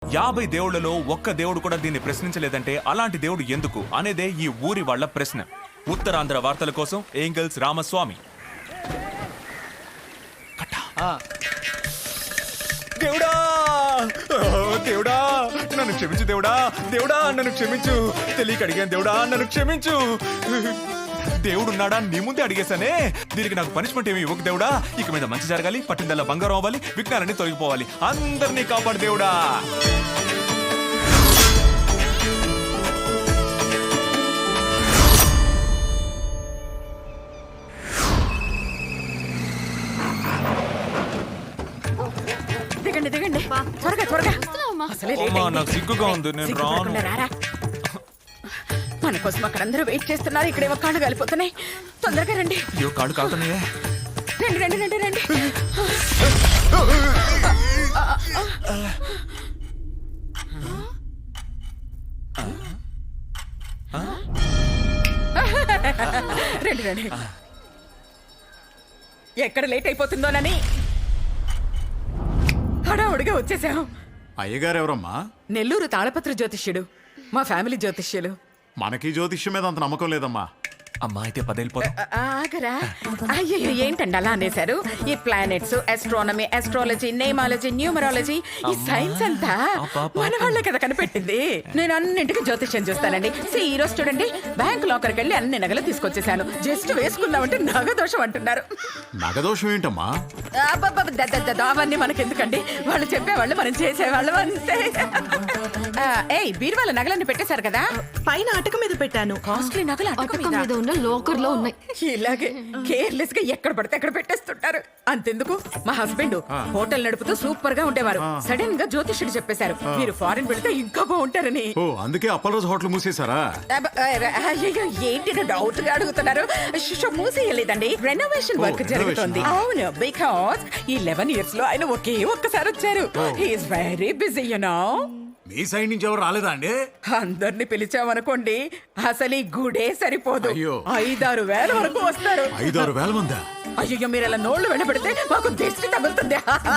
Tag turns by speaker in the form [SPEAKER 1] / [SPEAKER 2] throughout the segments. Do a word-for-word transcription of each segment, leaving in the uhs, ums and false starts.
[SPEAKER 1] యాభై దేవుళ్లలో ఒక్క దేవుడు కూడా దీన్ని ప్రశ్నించలేదంటే అలాంటి దేవుడు ఎందుకు అనేదే ఈ ఊరి వాళ్ళ ప్రశ్న. ఉత్తరాంధ్ర వార్తల కోసం ఏంగల్స్ రామస్వామి. దేవుడా దేవుడా నన్ను క్షమించు, దేవుడా దేవుడా నన్ను క్షమించు, తెలియక అడిగాను దేవుడా నన్ను క్షమించు. దేవుడున్నాడా నీ ముందే అడిగేశానే, దీనికి నాకు పనిష్మెంట్ ఏమి ఇవ్వకు దేవుడా. ఇక మీద మంచి జరగాలి, పట్టిందల్లా బంగారం అవ్వాలి, విఘ్నాలన్నీ తొలగిపోవాలి, అందరినీ కాపాడు దేవుడా.
[SPEAKER 2] దిగండి దిగండి త్వరగా త్వరగా.
[SPEAKER 1] నాకు సిగ్గుగా ఉంది, నేను రాను.
[SPEAKER 2] మన కోసం అక్కడ అందరూ వెయిట్ చేస్తున్నారు, ఇక్కడేమో కాళ్ళు కాలిపోతున్నాయి. తొందరగా రండి.
[SPEAKER 1] అయ్యో కాళ్ళు కాలుతున్నాయే.
[SPEAKER 2] రండి రండి రండి రండి. రండి రండి. ఎక్కడ లేట్ అయిపోతుందోనని హడావుడిగా వచ్చేసాం.
[SPEAKER 3] అయ్యగారు ఎవరమ్మా?
[SPEAKER 2] నెల్లూరు తాళపత్ర జ్యోతిష్యుడు, మా ఫ్యామిలీ జ్యోతిష్యులు.
[SPEAKER 3] మనకి జ్యోతిష్యం మీద అంత నమ్మకం లేదమ్మా.
[SPEAKER 1] అమ్మా అయితే పదేళ్ళిపోతాం.
[SPEAKER 2] ఆగరా. అయ్యో ఏంటండి అలా అనేశారు? ఈ planets, astronomy, astrology, nameology, numerology, ఈ సైన్స్ అంతా మన వాళ్ళే కదా కనిపెట్టింది. నేను అన్నింటికి జ్యోతిష్యం చూస్తానండి. ఈ రోజు చూడండి, బ్యాంక్ లాకర్కి వెళ్ళి అన్ని నగలు తీసుకొచ్చేసాను. జస్ట్ వేసుకుందామంటే నగదోషం అంటున్నారు.
[SPEAKER 3] నగదోషం ఏంటమ్మా?
[SPEAKER 2] అవన్నీ మనకెందుకండి, వాళ్ళు చెప్పేవాళ్ళు మనం చేసేవాళ్ళం అంతే. ఏ బీరువాళ్ళ నగలన్నీ పెట్టేశారు కదా?
[SPEAKER 4] పైన అటక మీద పెట్టాను.
[SPEAKER 2] కాస్ట్లీ నగలు అటక మీద
[SPEAKER 4] ఉన్న లోకర్ లో ఉన్నాయి.
[SPEAKER 2] ఇలాగే కేర్లెస్ గా ఎక్కడ పడితే అక్కడ పెట్టేస్తుంటారు. అంతెందుకు, మా హస్బెండ్ హోటల్ నడుపుతూ సూపర్ గా ఉండేవారు. సడన్ గా జ్యోతిష్యుడు చెప్పేశారు మీరు ఫారెన్ వెళ్తే ఇంకా బాగుంటారని.
[SPEAKER 3] ఓ అందుకే అప్పలరాజు హోటల్ మూసేశారా?
[SPEAKER 2] అయ్యో ఏంటి డౌట్ గా అడుగుతున్నారు? మూసేయలేదండి, రెనోవేషన్ వర్క్ జరుగుతుంది. అవును, బికాస్ ఈ లెవెన్ ఇయర్స్ లో ఆయన ఒకే ఒక్కసారి వచ్చారు. He is very busy you know.
[SPEAKER 3] మీ సైడ్ నుంచి ఎవరు రాలేదా అండి?
[SPEAKER 2] అందరిని పిలిచామనుకోండి అసలు ఈ గుడే సరిపోదు. ఐదారు వేల వరకు వస్తారు.
[SPEAKER 3] ఐదారు వేల మందా?
[SPEAKER 2] అయ్యో మీరు అలా నోళ్లు వెళ్ళబడితే మాకు దిష్టి తగులుతుంది.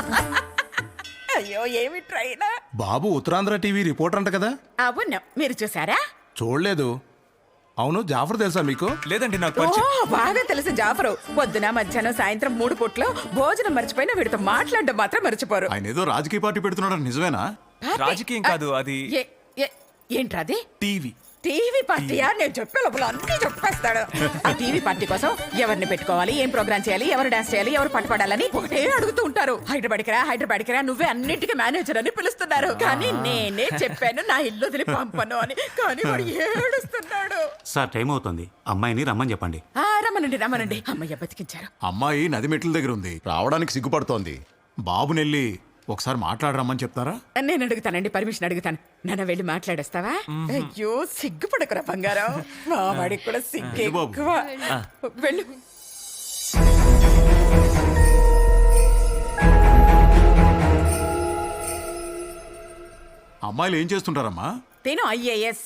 [SPEAKER 2] అయ్యో ఏమి ట్రైనా.
[SPEAKER 5] బాబు ఉత్తరాంధ్ర టీవీ రిపోర్టర్ అంట కదా?
[SPEAKER 2] అవును, మీరు చూసారా?
[SPEAKER 5] చూడలేదు. అవును, జాఫర్ తెలుసా మీకు?
[SPEAKER 1] లేదండి నాకు
[SPEAKER 2] ఓ బాగా తెలుసు జాఫరు. పొద్దున మధ్యాహ్నం సాయంత్రం మూడు పూట్లో భోజనం మర్చిపోయినా వీడితో మాట్లాడడం మాత్రం మర్చిపోరు.
[SPEAKER 3] ఆయన ఏదో రాజకీయ పార్టీ పెడుతున్నాడు, నిజమేనా?
[SPEAKER 1] రాజకీయం కాదు అది.
[SPEAKER 2] ఏంట్రది?
[SPEAKER 1] టీవీ.
[SPEAKER 2] టీవీ పార్టీయా? నేను చెప్పే లోపల అన్ని చెప్పేస్తాడు. ఆ టీవీ పార్టీ కోసం ఎవరిని పెట్టుకోవాలి, ఏం ప్రోగ్రామ్ చేయాలి, ఎవరు డాన్స్ చేయాలి, ఎవరు పాట పాడాలని ఒకటే అడుగుతూ ఉంటారు. హైదరాబాద్కి రా హైదరాబాద్కి రా, నువ్వే అన్నిటికీ మేనేజర్ అని పిలుస్తున్నారు. కానీ నేనే చెప్పాను నా ఇల్లు వదిలి పంపను అని. కానీ వాడు ఏడుస్తున్నాడు.
[SPEAKER 6] సార్ టైం అవుతుంది, అమ్మాయిని రమ్మని చెప్పండి.
[SPEAKER 2] ఆ రమ్మనండి రమ్మనండి. అమ్మయ్య బతికించారు.
[SPEAKER 3] అమ్మాయి నది మెట్ల దగ్గర ఉంది, రావడానికి సిగ్గుపడుతోంది. బాబునెళ్ళి ఒకసారి మాట్లాడరమ్మని చెప్తారా?
[SPEAKER 2] నేను అడుగుతానండి, పర్మిషన్ అడుగుతాను. నన్ను వెళ్ళి మాట్లాడేస్తావా? అయ్యో సిగ్గుపడకురా బంగారం, మా వాడికి కూడా సిగ్గు ఎక్కువ. వెళ్ళు.
[SPEAKER 3] అమ్మాయిలు ఏం చేస్తుంటారమ్మా?
[SPEAKER 2] నేను ఐఏఎస్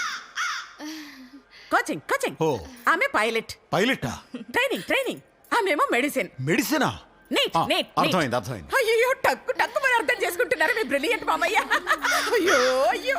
[SPEAKER 2] కోచింగ్ కోచింగ్. ఆమె పైలట్.
[SPEAKER 3] పైలటా?
[SPEAKER 2] Training training. ఆమెమో మెడిసిన్.
[SPEAKER 3] మెడిసినా?
[SPEAKER 2] NEET NEET.
[SPEAKER 3] అర్థమైంది అర్థమైంది.
[SPEAKER 2] అయ్యో టక్కు టక్కు మరి అర్థం చేసుకుంటున్నారు మీ బ్రిలియంట్ మామయ్య. అయ్యో అయ్యో.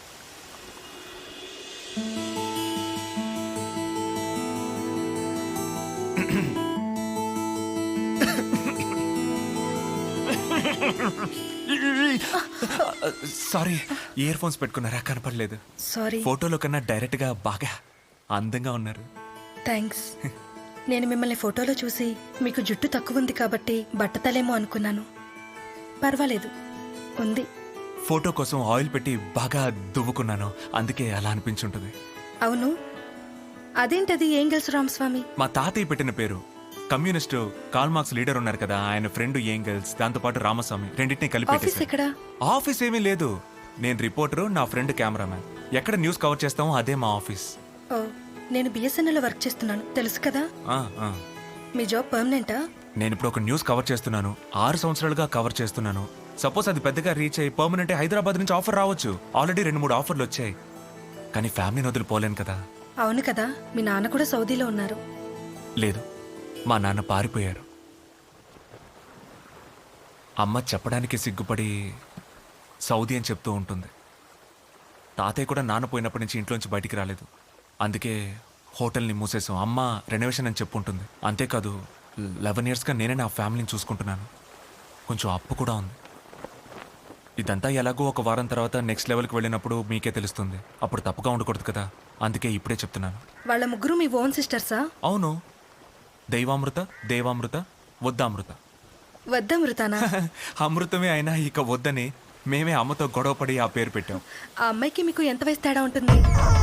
[SPEAKER 1] సారీ, ఇయర్ ఫోన్స్ పెట్టుకున్నారా? కనపడలేదు.
[SPEAKER 4] సారీ.
[SPEAKER 1] ఫోటోలో కన్నా డైరెక్ట్ గా బాగా అందంగా ఉన్నారు.
[SPEAKER 4] థ్యాంక్స్. నేను మిమ్మల్ని ఫోటోలో చూసి మీకు జుట్టు తక్కువ ఉంది కాబట్టి బట్టతలేమో అనుకున్నాను. పర్వాలేదు, ఉంది.
[SPEAKER 1] ఫోటో కోసం ఆయిల్ పెట్టి బాగా దువ్వుకున్నాను, అందుకే అలా అనిపించుంటుంది.
[SPEAKER 4] అవును, అదేంటది ఏంగల్స్ రామస్వామి?
[SPEAKER 1] మా తాతయ్య పెట్టిన పేరు. కమ్యూనిస్టు కాల్ మార్క్స్ లీడర్ ఉన్నారు కదా, ఆయన ఫ్రెండ్ ఏంగల్స్, దాంతో పాటు రామస్వామి, రెండింటిని
[SPEAKER 4] ఆఫీస్ ఎక్కడ?
[SPEAKER 1] కలిపి. ఆఫీస్ ఏమీ లేదు, నేను రిపోర్టరు, నా ఫ్రెండ్ కెమెరామ్యాన్. ఎక్కడ న్యూస్ కవర్ చేస్తామో అదే మా ఆఫీస్.
[SPEAKER 4] ఓ, నేను బిఎస్ఎన్ఎల్ వర్క్ చేస్తున్నాను, తెలుసు కదా? మీ జాబ్ పర్మనెంటా?
[SPEAKER 1] నేను ఇప్పుడు ఒక న్యూస్ కవర్ చేస్తున్నాను, ఆరు సంవత్సరాలుగా కవర్ చేస్తున్నాను. సపోజ్ అది పెద్దగా రీచ్ అయ్యి పర్మనెంట్ హైదరాబాద్ నుంచి ఆఫర్ రావచ్చు. ఆల్రెడీ రెండు మూడు ఆఫర్లు వచ్చాయి, కానీ ఫ్యామిలీని వదిలిపోలేను కదా.
[SPEAKER 4] అవును కదా, మీ నాన్న కూడా సౌదీలో ఉన్నారు.
[SPEAKER 1] లేదు, మా నాన్న పారిపోయారు. అమ్మ చెప్పడానికి సిగ్గుపడి సౌదీ అని చెప్తూ ఉంటుంది. తాతయ్య కూడా నాన్న పోయినప్పటి నుంచి ఇంట్లోంచి బయటికి రాలేదు. అందుకే హోటల్ని మూసేసాం. అమ్మ రెనోవేషన్ అని చెప్పుంటుంది. అంతేకాదు లెవెన్ ఇయర్స్గా నేనే నా ఫ్యామిలీని చూసుకుంటున్నాను. కొంచెం అప్పు కూడా ఉంది. ఇదంతా ఎలాగో ఒక వారం తర్వాత నెక్స్ట్ లెవెల్కి వెళ్ళినప్పుడు మీకే తెలుస్తుంది. అప్పుడు తప్పుగా ఉండకూడదు కదా, అందుకే ఇప్పుడే చెప్తున్నాను.
[SPEAKER 4] వాళ్ళ ముగ్గురు మీ ఓన్ సిస్టర్సా?
[SPEAKER 1] అవును, దైవామృత, దేవామృత, వద్దామృత.
[SPEAKER 4] వద్దమృతానా?
[SPEAKER 1] అమృతమే అయినా ఇక వద్దని మేమే అమ్మతో గొడవపడి ఆ పేరు పెట్టాం.
[SPEAKER 4] ఆ అమ్మాయికి మీకు ఎంత వయసు తేడా ఉంటుంది?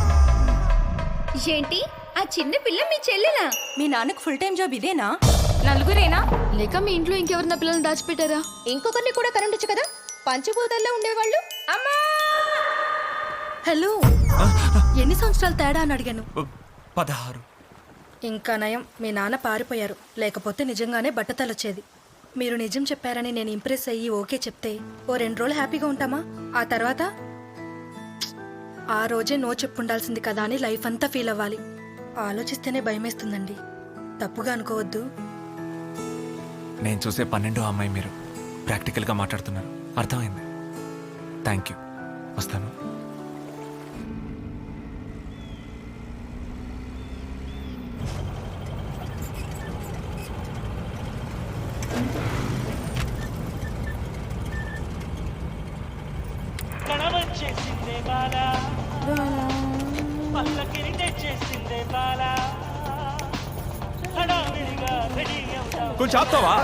[SPEAKER 7] ఏంటి ఆ చిన్న పిల్ల మీ చెల్లెలా?
[SPEAKER 4] మీ నాన్నకు ఫుల్ టైం జాబ్ ఇదేనా?
[SPEAKER 7] నలుగురేనా? లేక మీ ఇంట్లో ఇంకెవరిన పిల్లల్ని దాచిపెట్టారా? ఇంకొకరిని కూడా కరెంట్ కదా, పంచభూతాల్లో ఉండేవాళ్ళు. అమ్మా
[SPEAKER 4] హలో, ఎన్ని సంవత్సరాలు తేడా అని అడిగాను.
[SPEAKER 1] పదహారు.
[SPEAKER 4] ఇంకా నయం, మీ నాన్న పారిపోయారు. లేకపోతే నిజంగానే బట్టతలొచ్చేది. మీరు నిజం చెప్పారని నేను ఇంప్రెస్ అయ్యి ఓకే చెప్తే ఓ రెండు రోజులు హ్యాపీగా ఉంటామా? ఆ తర్వాత ఆ రోజే నో చెప్పుండాల్సింది కదా అని లైఫ్ అంతా ఫీల్ అవ్వాలి. ఆలోచిస్తేనే భయమేస్తుందండి. తప్పుగా అనుకోవద్దు.
[SPEAKER 1] నేను చూసే పన్నెండో అమ్మాయి మీరు. ప్రాక్టికల్గా మాట్లాడుతున్నారు, అర్థమైంది. థ్యాంక్ యూ, వస్తాను.
[SPEAKER 8] కణవచ్చేసిందే బాల పల్లకిని తెచ్చేసిందే బాల హడావిడిగా రెడీ అవుతా.
[SPEAKER 1] కొంచెం ఆపుతావా?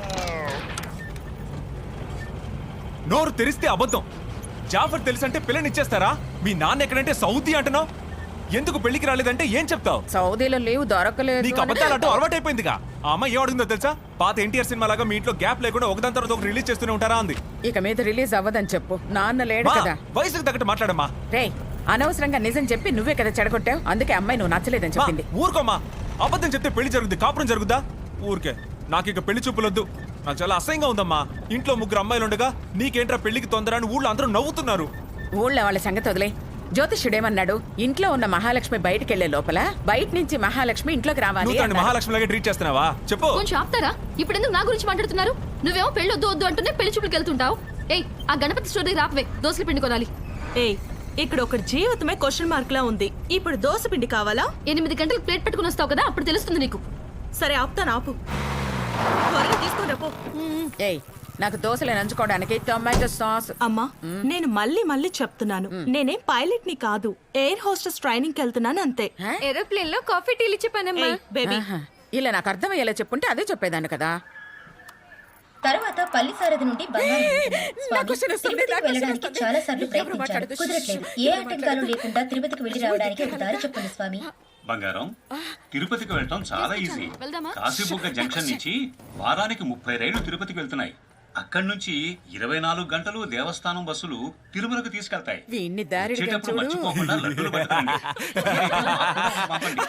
[SPEAKER 1] నోరు తెరిస్తే అబద్ధం. జాఫర్ తెలుసంటే పిల్లనిచ్చేస్తారా? మీ నాన్న ఎక్కడంటే సౌదీ అంటున్నావు. ఎందుకు పెళ్లికి రాలేదంటే ఏం చెప్తావు?
[SPEAKER 2] సౌదీలో లీవ్ దొరకలేదు.
[SPEAKER 1] నీకు అబద్ధాలు అంటూ అలవాటైపోయిందిగా. ఆ అమ్మాయి ఏం అడుగుందో తెలుసా? పాత ఎన్టీఆర్ సినిమా లాగా మీ ఇంట్లో గ్యాప్ లేకుండా ఒకదాని తర్వాత ఒకటి రిలీజ్ చేస్తూనే ఉంటారా అంది.
[SPEAKER 2] ఇక మీద రిలీజ్ అవ్వదని చెప్పు. నాన్న లేడు
[SPEAKER 1] మా,
[SPEAKER 2] కదా.
[SPEAKER 1] వయసుకు తగ్గట్టు మాట్లాడమ్మా.
[SPEAKER 2] రే, అనవసరంగా నిజం చెప్పి నువ్వే కదా చెడగొట్టావు. అందుకే అమ్మాయి నువ్వు నచ్చలేదని
[SPEAKER 1] మా,
[SPEAKER 2] చెప్పింది.
[SPEAKER 1] ఊరుకోమ్మా. అబద్ధం చెప్తే పెళ్లి జరుగుద్ది, కాపురం జరుగుద్దా? ఊరికే నాకు ఇక పెళ్లి చూపులొద్దు. నాకు చాలా అసహ్యంగా ఉందమ్మా. ఇంట్లో ముగ్గురు అమ్మాయిలు ఉండగా నీకేంట్రా పెళ్లికి తొందర అని ఊళ్ళో అందరూ నవ్వుతున్నారు.
[SPEAKER 2] ఊళ్ళో వాళ్ళ సంగతి వదిలే. జ్యోతిష్యుడేమన్నాడు? ఇంట్లో ఉన్న మహాలక్ష్మి బయటికి వెళ్లే లోపల బయట నుంచి మహాలక్ష్మి ఇంట్లోకి రావాలి
[SPEAKER 1] నువ్వు దాన్ని
[SPEAKER 2] అన్నాడు.
[SPEAKER 1] మహాలక్ష్మి లాగా ట్రీట్ చేస్తున్నావా? చెప్పు.
[SPEAKER 7] కొంచెం ఆపుతారా? ఇప్పుడు ఎందుకు నా గురించి మాట్లాడుతున్నారు? నువ్వేమో పెళ్ళి వద్దు వద్దు అంటూనే పెళ్లి చూపులకు వెళ్తుంటావు. ఏయ్, ఆ గణపతి స్టోరీ రాపవే, దోశలు పిండి కొనాలి.
[SPEAKER 9] ఏయ్, ఇక్కడ ఒక జీవితమే క్వశ్చన్ మార్క్ లా ఉంది. ఇప్పుడు దోశ పిండి కావాలా?
[SPEAKER 7] ఎనిమిది గంటలకు ప్లేట్ పెట్టుకుని వస్తావు కదా, అప్పుడు తెలుస్తుంది నీకు.
[SPEAKER 9] సరే ఆపుతాను, ఆపు. త్వరగా తీసుకోరా పో.
[SPEAKER 2] ఏయ్, నాకు దోశలు నంచుకోవడానికి టొమాటో సాస్.
[SPEAKER 9] అమ్మా, నేను మళ్ళీ మళ్ళీ చెప్తున్నాను, నేనేం పైలట్ ని కాదు, ఎయిర్ హోస్టెస్ ట్రైనింగ్ కి వెళ్తున్నాను అంతే.
[SPEAKER 7] ఏరోప్లేన్ లో కాఫీ టీలు ఇచ్చే పనమ్మా.
[SPEAKER 9] ఏయ్, బేబీ,
[SPEAKER 2] ఆహా, ఇలా నాకు అర్థమయ్యేలా చెప్పుంటే అదే చెప్పేదాన్ని కదా.
[SPEAKER 10] తర్వాత పల్లి సారథి నుండి బంగారం
[SPEAKER 2] నాకు
[SPEAKER 10] స్వామి
[SPEAKER 2] క్వశ్చన్ వస్తుంది,
[SPEAKER 10] తిరుపతికి
[SPEAKER 2] నాకు
[SPEAKER 10] వెళ్ళడానికి
[SPEAKER 2] క్వశ్చన్
[SPEAKER 10] చాలా సార్లు
[SPEAKER 2] వస్తుంది. ఎవరు
[SPEAKER 10] ప్రయత్నించారు,
[SPEAKER 2] మాట్లాడదు?
[SPEAKER 10] కుదరట్లేదు. ఏ
[SPEAKER 2] ఎవరు
[SPEAKER 10] ఆటంకాలు
[SPEAKER 2] మాట్లాడదు?
[SPEAKER 10] లేకుండా తిరుపతికి వెళ్ళి రావడానికి ఒక దారి చెప్పండి స్వామి.
[SPEAKER 11] బంగారం, తిరుపతికి వెళ్ళటం చాలా ఈజీ.
[SPEAKER 7] వెళ్దామా?
[SPEAKER 11] కాశీబుగ్గ జంక్షన్ నుంచి వారానికి ముప్పై రైళ్లు తిరుపతికి వెళ్తున్నాయి. అక్కడి నుంచి ఇరవై నాలుగు గంటలు దేవస్థానం బస్సులు తిరుమలకు తీసుకెళ్తాయి.
[SPEAKER 2] వీణ్ణి దారి
[SPEAKER 11] వచ్చేటప్పుడు
[SPEAKER 2] చూడు.
[SPEAKER 11] మర్చిపోకుండా లడ్డూలు పట్టుకురండి. పంపండి.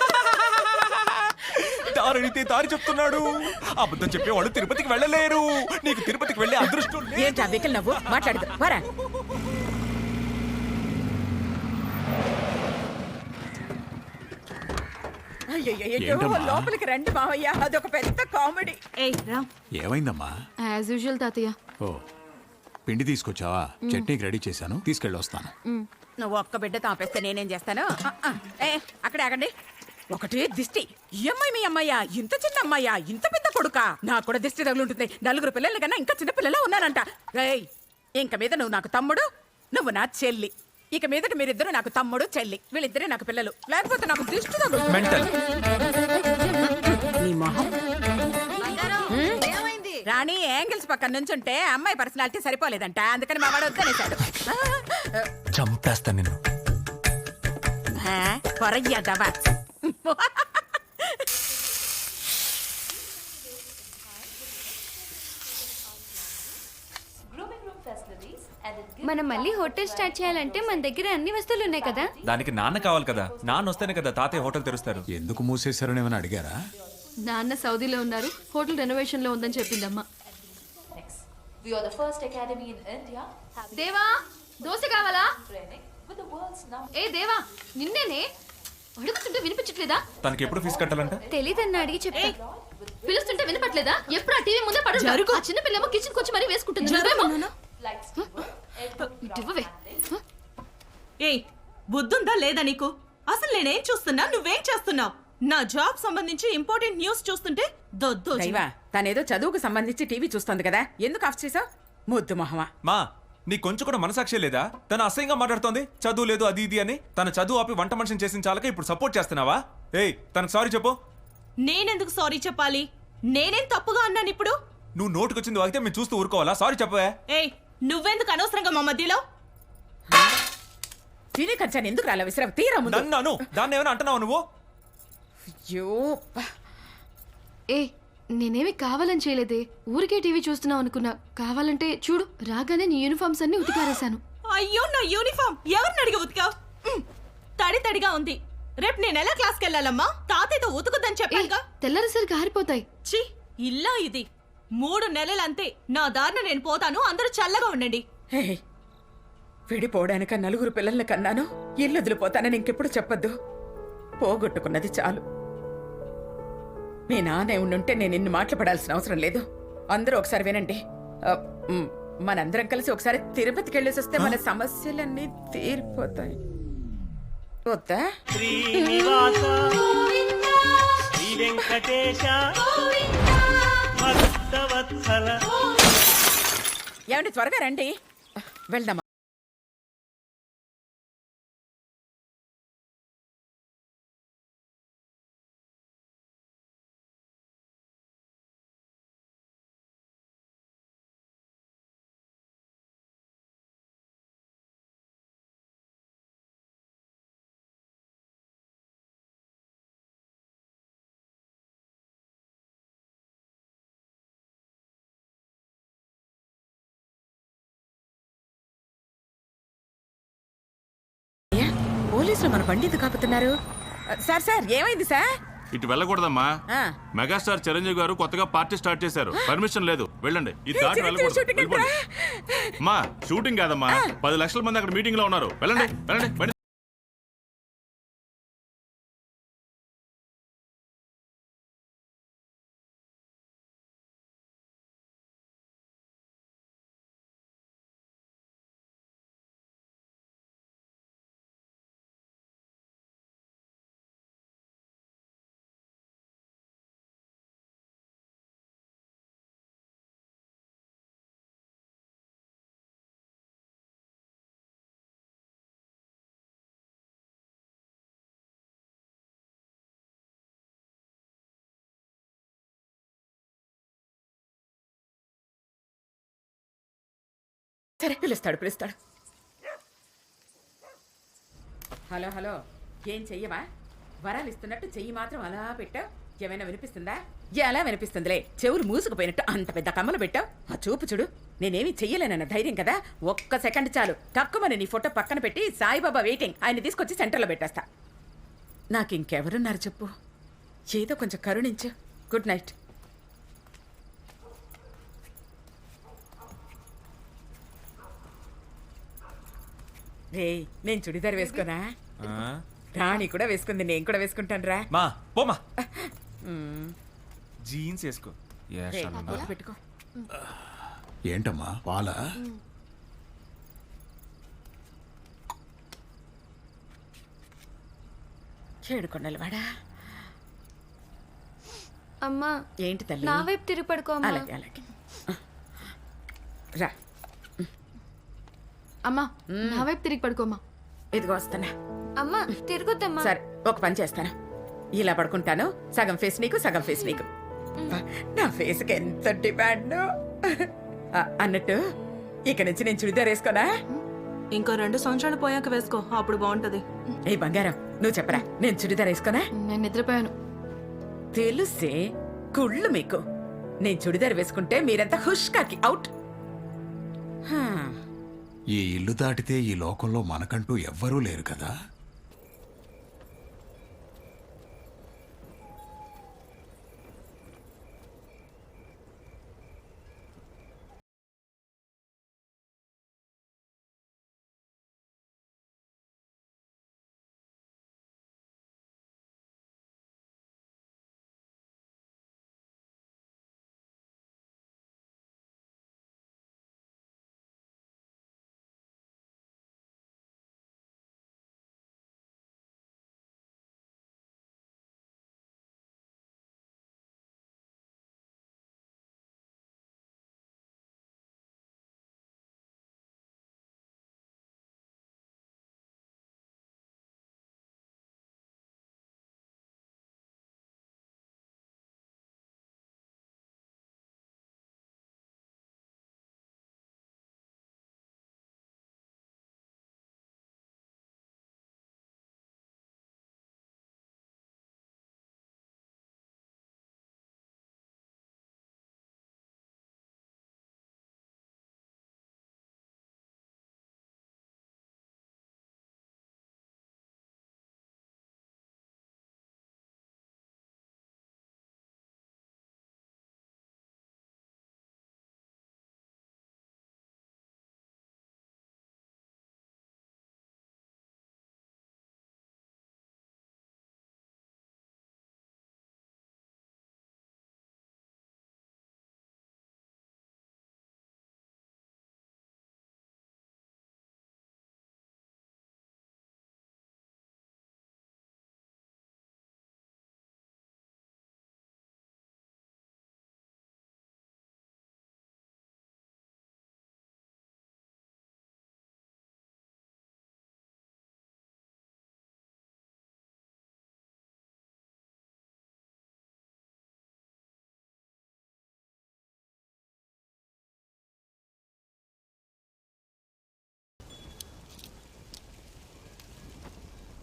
[SPEAKER 1] దారడితే దారి చెప్తున్నాడు. అబద్ధం చెప్పేవాళ్ళు తిరుపతికి వెళ్ళలేరు. నీకు తిరుపతికి వెళ్ళే అదృష్టం లేదు.
[SPEAKER 2] ఏంటా వెకిల్ నవ్వు? మాట్లాడదు వరా. అయ్యయ్యయ్యో,
[SPEAKER 3] ఏంటమ్మా?
[SPEAKER 2] లోపలికి రండి మావయ్య, అదొక పెద్ద కామెడీ.
[SPEAKER 9] ఏయ్ రా.
[SPEAKER 3] ఏమైందమ్మా?
[SPEAKER 7] యాజ్ యూజువల్ తాతయ్య.
[SPEAKER 3] ఓ, పిండి తీసుకొచ్చావా? చట్నీకి రెడీ చేశాను, తీసుకెళ్ళి వస్తాను.
[SPEAKER 2] నువ్వు ఒక్క బిడ్డ తాపేస్తే నేనేం చేస్తాను? ఆ, ఆ, ఏ అక్కడే ఆగండి. ఒకటే దిష్టి. ఈ అమ్మాయి మీ అమ్మాయ్యా? ఇంత చిన్న అమ్మాయ్యా? ఇంత పెద్ద కొడుకా? నాకు కూడా దిష్టి తగులుంటుంది. నలుగురు పిల్లల కన్నా ఇంకా చిన్న పిల్లలా ఉన్నానంట. రేయ్, ఇంక మీద నువ్వు నాకు తమ్ముడు, నువ్వు నా చెల్లి. ఇక మీదట మీరిద్దరు నాకు తమ్ముడు చెల్లి, వీళ్ళిద్దరే నాకు పిల్లలు. లేకపోతే నాకు దిష్టి తగులుతుంది.
[SPEAKER 1] మెంటల్.
[SPEAKER 2] నీ మొహం. రాణి యాంగిల్స్ పక్కన నుంచుంటే అమ్మాయి పర్సనాలిటీ సరిపోలేదంట, అందుకని మా వాడు వద్దనేశాడు.
[SPEAKER 1] చంపేస్తా నిన్ను.
[SPEAKER 2] పొరయ్యా దవా.
[SPEAKER 7] మనం మళ్ళీ హోటల్ స్టార్ట్ చేయాలంటే మన దగ్గర అన్ని వస్తువులు ఉన్నాయి కదా.
[SPEAKER 1] దానికి నాన్న కావాలి కదా. నాన్న వస్తేనే కదా తాతయ్య హోటల్ తెరుస్తారు.
[SPEAKER 3] ఎందుకు మూసేశారని ఏమైనా అడిగారా?
[SPEAKER 7] నాన్న సౌదీలో ఉన్నారు, హోటల్ రెనోవేషన్ లో ఉందని చెప్పిందమ్మా. దేవా, దోశ కావాలా? ఏ దేవా, నిన్నేనే అడుగుతుంటే వినిపించట్లేదా?
[SPEAKER 1] తనకి ఎప్పుడు ఫీజు కట్టాలంట?
[SPEAKER 7] తెలీదన్న అడిగి చెప్తా. పిలుస్తుంటే వినపట్లేదా? ఎప్పుడు ఆ టీవీ ముందే పడు. ఆ చిన్న పిల్లేమో కిచెన్ వచ్చి మరీ వేసుకుంటుంది. ఇవ్వవే. హ?
[SPEAKER 9] ఏయ్ బుద్ధుందా లేదా నీకు? అసలు నేనేం చూస్తున్నా, నువ్వేం చేస్తున్నావు? నా జాబ్ సంబంధించి ఇంపార్టెంట్ న్యూస్ చూస్తుంటే దొద్దు
[SPEAKER 2] దైవా తనేదో చదువుకు సంబంధించి టీవీ చూస్తుంది కదా, ఎందుకు ఆఫ్ చేసావు? ముద్దు మొహమా.
[SPEAKER 1] మా నీ కొంచెం కూడా మనసాక్షి లేదా? తను అసహ్యంగా మాట్లాడుతోంది, చదువు లేదు అది ఇది అని. తన చదువు ఆపి వంట మనిషిని చేసిన చాలక ఇప్పుడు సపోర్ట్ చేస్తున్నావా? ఏయ్ తనకు సారీ చెప్పు.
[SPEAKER 9] నేనెందుకు సారీ చెప్పాలి? నేనేం తప్పుగా అన్నాను ఇప్పుడు?
[SPEAKER 1] నువ్వు నోటుకొచ్చింది వాగితే మేము చూస్తూ ఊరుకోవాలా? సారీ చెప్పవే.
[SPEAKER 9] ఏయ్ నువ్వెందుకు అనవసరంగా మా మధ్యలో?
[SPEAKER 2] తినే కంచాను ఎందుకు రాలా విశ్రాం తీరా ముందు.
[SPEAKER 1] నన్ను దాన్ని ఏమైనా అంటున్నావు నువ్వు?
[SPEAKER 2] అయ్యో పా.
[SPEAKER 7] ఏ నేనేమి కావాలని చేయలేదే, ఊరికే టీవీ చూస్తున్నావు అనుకున్నా. కావాలంటే చూడు, రాగానే నీ యూనిఫామ్స్ అన్ని ఉతికారేశాను.
[SPEAKER 9] అయ్యో నా యూనిఫామ్ ఎవరిని అడిగి ఉతికావు? ఉమ్, తడి తడిగా ఉంది. రేపు నేను ఎలా క్లాస్కి వెళ్ళాలమ్మా? తాతయ్యతో ఉతుకుద్దని చెప్పానుగా.
[SPEAKER 7] తెల్లరిసరికి ఆరిపోతాయి.
[SPEAKER 9] ఛీ ఇల్లా ఇది. మూడు నెలలంతే. నా దారిన నేను పోతాను, అందరూ చల్లగా ఉండండి.
[SPEAKER 2] హే, విడిపోవడానిక నలుగురు పిల్లల్ని కన్నాను, ఇల్లు వదిలిపోతానని ఇంకెప్పుడు చెప్పొద్దు. పోగొట్టుకున్నది చాలు. మీ నాన్నే ఉండుంటే నేను ఇన్ని మాటలు పడాల్సిన అవసరం లేదు. అందరూ ఒకసారి వినండి. ఆ, మ్, మనందరం కలిసి ఒకసారి తిరుపతికి వెళ్ళేసి వస్తే మన సమస్యలన్నీ తీరిపోతాయి. వద్దా?
[SPEAKER 8] శ్రీనివాస శ్రీ వెంకటేశ భక్తవత్సల.
[SPEAKER 2] ఏమండి త్వరగా రండి, వెళ్దామా. పోలీసులు మన బండితో కాపుతున్నారు. సార్ సార్ ఏమైంది సార్?
[SPEAKER 12] ఇటు వెళ్ళకూడదమ్మా.
[SPEAKER 2] ఆ.
[SPEAKER 12] మెగాస్టార్ చిరంజీవి గారు కొత్తగా పార్టీ స్టార్ట్ చేశారు. పర్మిషన్ లేదు, వెళ్ళండి. ఇది దాటి వెళ్ళకూడదు.
[SPEAKER 2] షూటింగ్
[SPEAKER 12] వెళ్ళిపోండి. అమ్మా షూటింగ్ కాదమ్మా, పది లక్షల మంది అక్కడ మీటింగ్ లో ఉన్నారు. వెళ్ళండి వెళ్ళండి బండి.
[SPEAKER 2] సరే పిలుస్తాడు పిలుస్తాడు. హలో హలో, ఏం చెయ్యవా? వరాలు ఇస్తున్నట్టు చెయ్యి మాత్రం అలా పెట్టావు. ఏమైనా వినిపిస్తుందా? ఎలా వినిపిస్తుందిలే, చెవులు మూసుకుపోయినట్టు అంత పెద్ద కమ్మలు పెట్టావు. ఆ చూపు చూడు, నేనేమి చెయ్యలేనన్న ధైర్యం కదా. ఒక్క సెకండ్ చాలు, తక్కువని నీ ఫోటో పక్కన పెట్టి సాయిబాబా వెయిటింగ్, ఆయన తీసుకొచ్చి సెంటర్లో పెట్టేస్తా. నాకు ఇంకెవరున్నారు చెప్పు, ఏదో కొంచెం కరుణించు. Good night. రే నేను చుడిదార్ వేసుకోనా? రాణి కూడా వేసుకుంది, నేను కూడా వేసుకుంటాను రా.
[SPEAKER 1] మా పోమా, జీన్స్ వేసుకో.
[SPEAKER 2] రే, బొట్టు పెట్టుకో.
[SPEAKER 3] ఏంటమ్మా పాల?
[SPEAKER 2] చేడుకొండలు వాడా.
[SPEAKER 7] అమ్మా
[SPEAKER 2] ఏంటి తల్లి?
[SPEAKER 7] నా వైపు తిరిగి పడుకో.
[SPEAKER 2] అలాగే అలాగే రా.
[SPEAKER 7] అమ్మా నా వైపు తిరిగి పడుకోమ్మా.
[SPEAKER 2] ఇదిగో వస్తానా.
[SPEAKER 7] అమ్మా తిరగొద్దమ్మా.
[SPEAKER 2] సరే ఒక పని చేస్తాను, ఇలా పడుకుంటాను, సగం ఫేస్ నీకు సగం ఫేస్ నీకు. నా ఫేస్కి ఎంత డిమాండ్. అన్నట్టు ఇక నుంచి నేను చుడిదార్ వేసుకోనా?
[SPEAKER 9] ఇంకో రెండు సంవత్సరాలు పోయాక వేసుకో, అప్పుడు బాగుంటది.
[SPEAKER 2] ఏ బంగారం నువ్వు చెప్పరా, నేను చుడిదార్ వేసుకోనా?
[SPEAKER 7] నేను నిద్రపోయాను.
[SPEAKER 2] తెలుసే కుళ్ళు మీకు. నేను చుడిదార్ వేసుకుంటే మీరంతా హుష్కాకి అవుట్.
[SPEAKER 3] ఈ ఇల్లు దాటితే ఈ లోకంలో మనకంటూ ఎవ్వరూ లేరు కదా.